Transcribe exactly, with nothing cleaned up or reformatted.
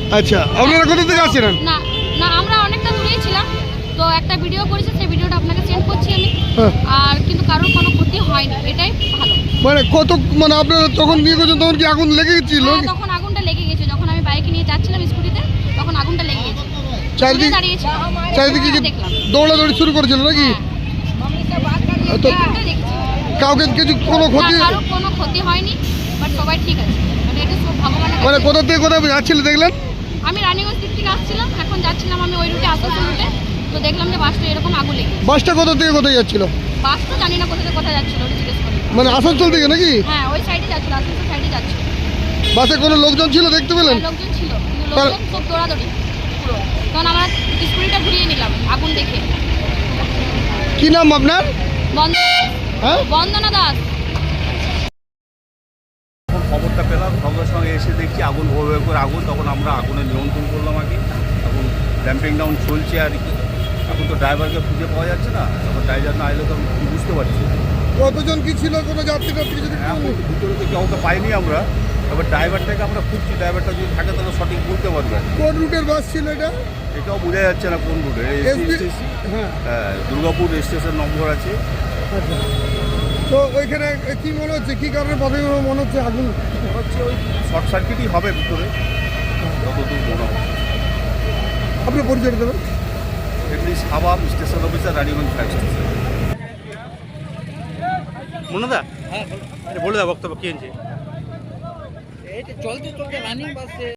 আচ্ছা, আপনারা কোথা থেকে আসছিলেন? না না আমরা অনেকটা দূরেই ছিলাম, তো একটা ভিডিও করেছি, সেই ভিডিওটা আপনাকে সেন্ড করছি আমি। হ্যাঁ। আর কিন্তু কারোর কোনো ক্ষতি হয়নি, এটাই ভালো। মানে কত মানে আপনারা তখন নিয়ে গেছেন তখন কি আগুন লেগে গেছিল? হ্যাঁ, তখন আগুনটা লেগে গেছে, যখন আমি বাইকে নিয়ে যাচ্ছিলাম স্কুটিতে, তখন আগুনটা লেগে গেছে। চারিদিকে দাঁড়িয়েছিল, চারিদিকে কি দেখলাম দৌড়াদৌড়ি শুরু করেছিল নাকি? হ্যাঁ, তো এটাই দেখেছি। কাউকে কিছু কোনো ক্ষতি? না, কারোর কোনো ক্ষতি হয়নি, বাট সবাই ঠিক আছে, মানে এটা সব ভগবানের মানে কাছে। কোথা থেকে কোথায় যাচ্ছিল দেখলেন? আমি রানীগঞ্জ দিক থেকে আসছিলাম, এখন যাচ্ছিলাম আমি ওই রুটে, আসানসোল রুটে, তো দেখলাম যে বাসটা এরকম আগুন লেগে গেছে। বাসটা কোথা থেকে কোথায় যাচ্ছিল? বাস তো জানি না কোথা থেকে কোথায় যাচ্ছিল, ওটা জিজ্ঞেস করি। মানে আসানসোল থেকে নাকি? হ্যাঁ, ওই সাইডে যাচ্ছিল, আসানসোল সাইডে যাচ্ছিল। বাসে কোনো লোকজন ছিল দেখতে পেলেন? হ্যাঁ, লোকজন ছিল, কিন্তু লোকজন সব দৌড়াদৌড়ি পুরো, তখন আমরা স্কুটিটা ঘুরিয়ে নিলাম আগুন দেখে। কি নাম আপনার? বন্দনা, হ্যাঁ, বন্দনা দাস। যখন খবরটা পেলাম সঙ্গে সঙ্গে এসে দেখছি আগুন ভোর ভোর করে আগুন, তখন আমরা আগুনে নিয়ন্ত্রণ করলাম আগে। এখন ড্যাম্পিং ডাউন চলছে আর কি। এখন তো ড্রাইভারকে খুঁজে পাওয়া যাচ্ছে না, তখন ড্রাইভার না এলে তো আমি কি বুঝতে পারছি। কতজন কি ছিল? কোনো যাত্রী টাত্রী যদি এখন ভিতরে তো কাউকে পাইনি আমরা, এবার ড্রাইভারটাকে আমরা খুঁজছি, ড্রাইভারটা যদি থাকে তাহলে সঠিক বলতে পারবে। কোন রুটের বাস ছিল এটা? এটাও বোঝা যাচ্ছে না কোন রুটে। এসবি- হ্যাঁ, হ্যাঁ, দুর্গাপুর স্টেশন নম্বর আছে। আচ্ছা। তো ওইখানে কি মনে হচ্ছে, কি কারণে প্রথমে মনে হচ্ছে আগুন? মনে হচ্ছে ওই শর্ট সার্কিটই হবে ভিতরে, যতদূর মনে হয়। আপনি পরিচয় দেবেন? এমনি সাবাব station officer, Raniganj fire station. মনোদা, হ্যাঁ বলে দাও বক্তব্য কি হয়েছে? এই চলতে চলতে রানিং বাসে